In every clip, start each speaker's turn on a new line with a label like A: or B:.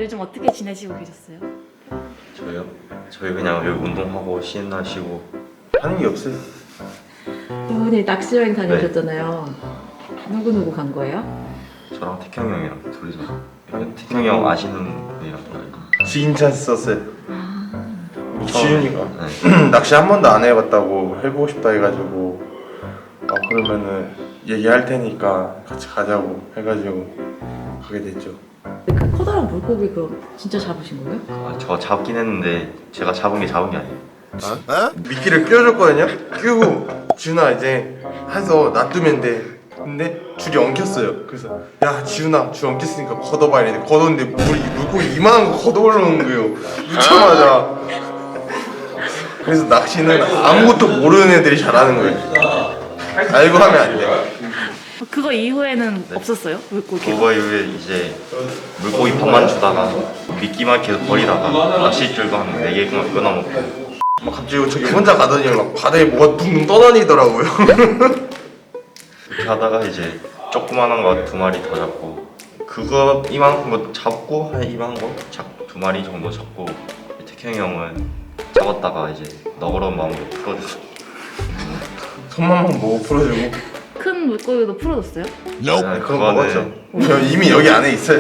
A: 요즘 어떻게 지내시고 계셨어요?
B: 저요? 저희 그냥 여기 운동하고 쉬는 날 쉬고
C: 하는 게 없어요.
A: 이번에 낚시 여행 다녀오셨잖아요. 누구 간 거예요?
B: 저랑 태형이 형이랑 둘이서 태형이 형 아시는 분이랑
C: 지인 찬스 썼어요. 우리 지윤이가
B: 네.
C: 낚시 한 번도 안 해봤다고 해보고 싶다 해가지고 그러면은 얘기할 테니까 같이 가자고 해가지고 가게 됐죠.
A: 그 커다란 물고기 그럼 진짜 잡으신 거예요?
B: 저 잡긴 했는데 제가 잡은 게 아니에요.
C: 미끼를 끼워줬거든요. 끼우고 지훈아 이제 해서 놔두면 돼. 근데 줄이 엉켰어요. 그래서 야 지훈아 줄 엉켰으니까 걷어봐야 돼. 걷었는데 물고기 이만한 거 걷어 올라오는 거예요. 놓자마자. 그래서 낚시는 아무것도 모르는 애들이 잘하는 거예요. 알고 하면 안 돼.
A: 그거 이후에는 없었어요? 물고기?
B: 그거 이후에 이제 물고기 밥만 주다가 미끼만 계속 버리다가 낚싯줄도 한 4개 끊어먹고
C: 막 갑자기 저기 혼자 가더니 막 바다에 뭐가 붕 떠다니더라고요.
B: 그렇게 하다가 이제 조그만한 거 2마리 더 잡고 그거 이만한 거 잡고 한 이만한 거 2마리 정도 잡고 태형이 형은 잡았다가 이제 너그러운 마음으로 풀어줬어.
C: 손만 보고 풀어주고.
A: 큰 물고기도 풀어줬어요?
C: 네, 그거 먹었죠. 저 이미 여기 안에 있어요.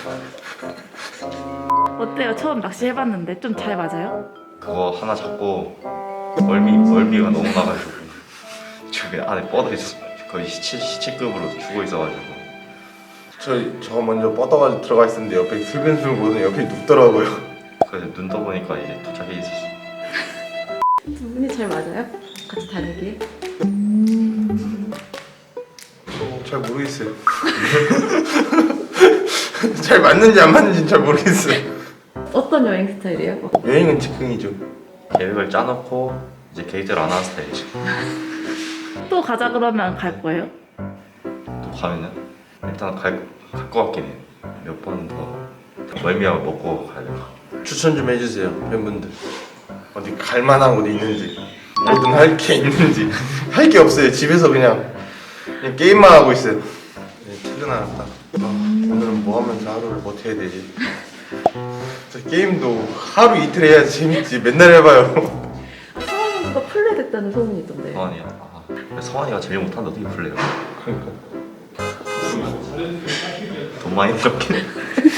A: 어때요? 처음 낚시 해봤는데 좀 잘 맞아요?
B: 그거 하나 잡고 멀미가 너무 나가지고 저기 안에 뻗어 있어. 거의 시체급으로 죽어 있어가지고
C: 저 먼저 뻗어가지고 들어가 있었는데 옆에 슬근슬근 보더니 옆에 눕더라고요.
B: 그래서 눈 떠보니까 이제 도착해 있었어.
A: 두 분이 잘 맞아요? 같이 다니기?
C: 잘 모르겠어요. 잘 맞는지 안 맞는지 잘 모르겠어요.
A: 어떤 여행 스타일이에요?
C: 여행은 즉흥이죠.
B: 계획을 짜놓고 이제 계획대로 안 하는 스타일이지.
A: 또 가자 그러면 갈 거예요?
B: 또 가면은 일단 갈 것 같긴 해요. 몇 번 더 멀미하고 먹고 가려고.
C: 추천 좀 해주세요 팬분들. 어디 갈만한 곳이 있는지 뭐든 할 게 있는지. 할 게 없어요. 집에서 그냥 게임만 하고 있어요. 네, 퇴근하다. 오늘은 뭐 하면서 하루를 버텨야 되지? 저 게임도 하루 이틀 해야지 재밌지. 맨날 해봐요.
A: 성환 선수가 플레이 됐다는 소문이 있던데.
B: 성환이야. 성환이가 제일 못하는데 어떻게 플레이해요?
C: 그러니까
B: 돈 많이 들었긴 해.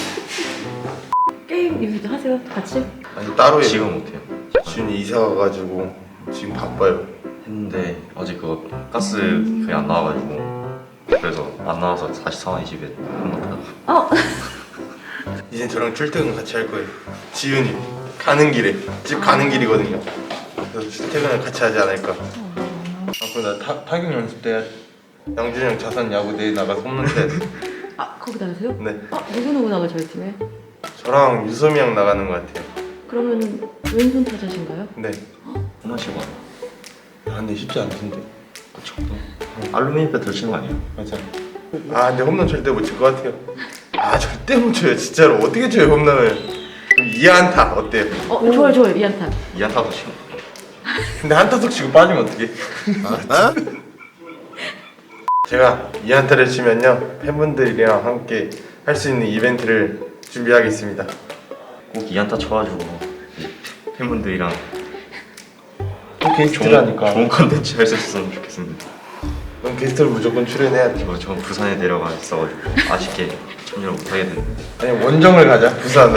A: 게임 요즘도 하세요? 같이?
C: 아니 따로 해요.
B: 지금 못해요.
C: 지훈이 이사 가가지고 지금 바빠요.
B: 했는데 어제 그거 가스 그게 안 나와가지고 그래서 안 나와서 다시 성환이 집에 한번 타다가
C: 이제 저랑 출퇴근 같이 할 거예요. 지훈이 가는 길에 집 가는 길이거든요. 그래서 출퇴근을 같이 하지 않을까. 그리고 나 타격 연습 때 양준이 형 자선 야구 대회 나가서 홈런 쳐야 돼.
A: 거기 나가세요?
C: 네.
A: 누구 나가 저희 팀에?
C: 저랑 유소미 형 나가는 것 같아요.
A: 그러면 왼손 타자신가요?
C: 네.
B: 홈런 치고 와요.
C: 야, 근데 쉽지 않던데.
B: 그쵸. 알루미늄 배트를 치는 거 아니에요?
C: 맞아. 근데 홈런 절대 못 칠 것 같아요. 절대 못 쳐요. 진짜로 어떻게 쳐요 홈런을? 그럼 2안타 어때요?
A: 좋아요 이안타.
B: 이안타도 치고
C: 근데 한타석 치고 빠지면 어떡해? 제가 2안타를 치면요 팬분들이랑 함께 할 수 있는 이벤트를 준비하겠습니다.
B: 꼭 이안타 쳐가지고 팬분들이랑
C: 또 게스트라니까.
B: 좋은 컨텐츠 할 수 있었으면 좋겠습니다.
C: 그럼 게스트를 무조건 출연해야지.
B: 저 부산에 내려가 있어가지고 아쉽게 참여를 못하게 됐는데
C: 아니 원정을 가자 부산으로.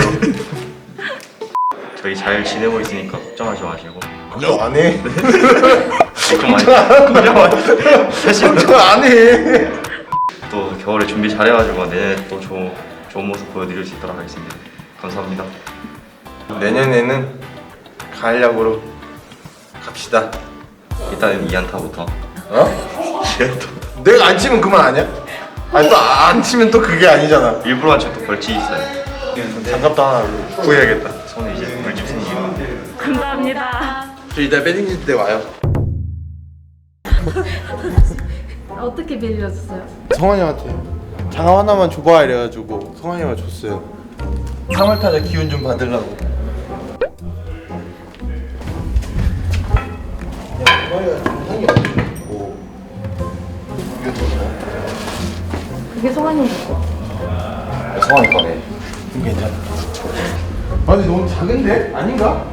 B: 저희 잘 지내고 있으니까 걱정하지 마시고
C: 걱정 안 해.
B: 걱정 많이 사실
C: 걱정 안 해.
B: 또 겨울에 준비 잘해가지고 내년에 또 좋은 모습 보여드릴 수 있도록 하겠습니다. 감사합니다.
C: 내년에는 가을야구로 갑시다.
B: 일단은 이안타부터
C: 내가 안 치면 그만 아니야? 아니 또 안 치면 또 그게 아니잖아.
B: 일부러 한 척도 벌칙 있어요.
C: 장갑도 하나 구해야겠다.
B: 손에 이제 물집 생기고
A: 감사합니다.
C: 저 이따 배딩 때 와요.
A: 어떻게 빌려줬어요?
C: 성환이 형한테 장갑 하나만 줘봐 이래가지고 성환이 형이 줬어요. 3월 타자 기운 좀 받으려고.
A: 그게 성환이 형 거.
B: 성환이 거네.
C: 괜찮아. 아 근데 너무 작은데? 아닌가?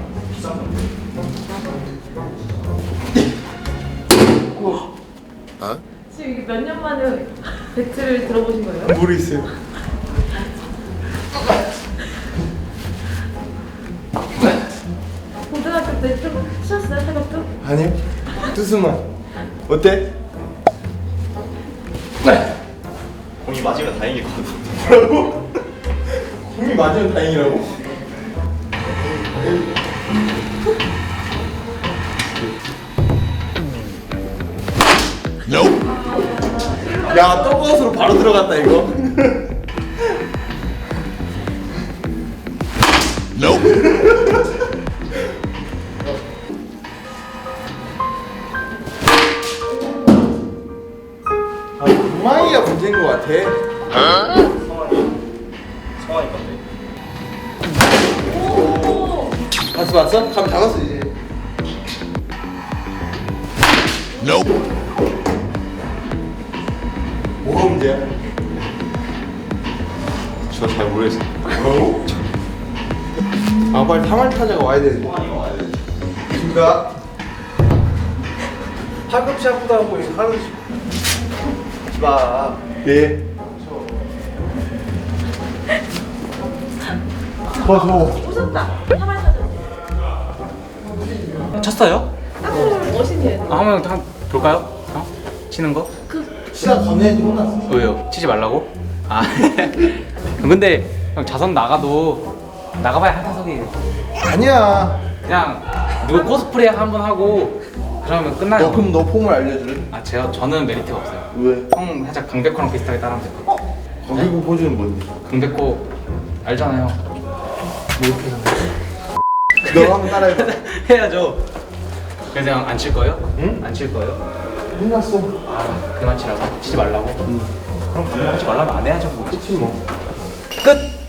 A: 지금 이게 몇 년 만에 배틀을 들어보신 거예요?
C: 모르겠어요.
A: 고등학교 때 좀 치셨어요, 타격도?
C: 아니요. 투수만. 어때?
B: 공이 맞으면 다행이거든.
C: 뭐라고? 공이 맞으면 다행이라고? 야, 떡버섯으로 바로 들어갔다 이거. 아, 엉망이가 문제인 것 같아.
B: 성환이 건데.
C: 봤어? 감 잡았어 이제. 뭐가 문제야?
B: 저 잘 모르겠어.
C: 뭐라고? 아 빨리 3할 타자가 와야 되는데. 둘다 팔꿈치 아프다 하고 하는 마. 예. 더 줘.
A: 오셨다. 사발 사전.
D: 쳤어요?
A: 딱 멋있네요.
D: 한번 볼까요? 치는 거?
C: 시간 건네야지 혼났어.
D: 왜요? 치지 말라고? 아 근데 형 자선 나가도 나가봐야 한 타석이에요.
C: 아니야.
D: 그냥 누구 코스프레 한번 하고 그러면 끝나요.
C: 너 그럼 너 폼을 알려줄래?
D: 아 저는 메리트가 없어요.
C: 왜?
D: 형 살짝 강백호랑 비슷하게 따라하면 될 것 같아요.
C: 거기고 포즈는 뭔데?
D: 강백호 알잖아요.
C: 너 한번 따라해봐.
D: 해야죠. 그래서 형 안 칠 거예요?
C: 응?
D: 안 칠 거예요?
C: 혼났어.
D: 아 그만 치라고? 치지 말라고? 그럼 그만 하지 말라면 안 해야죠 뭐.
C: 그치 뭐.
D: 끝!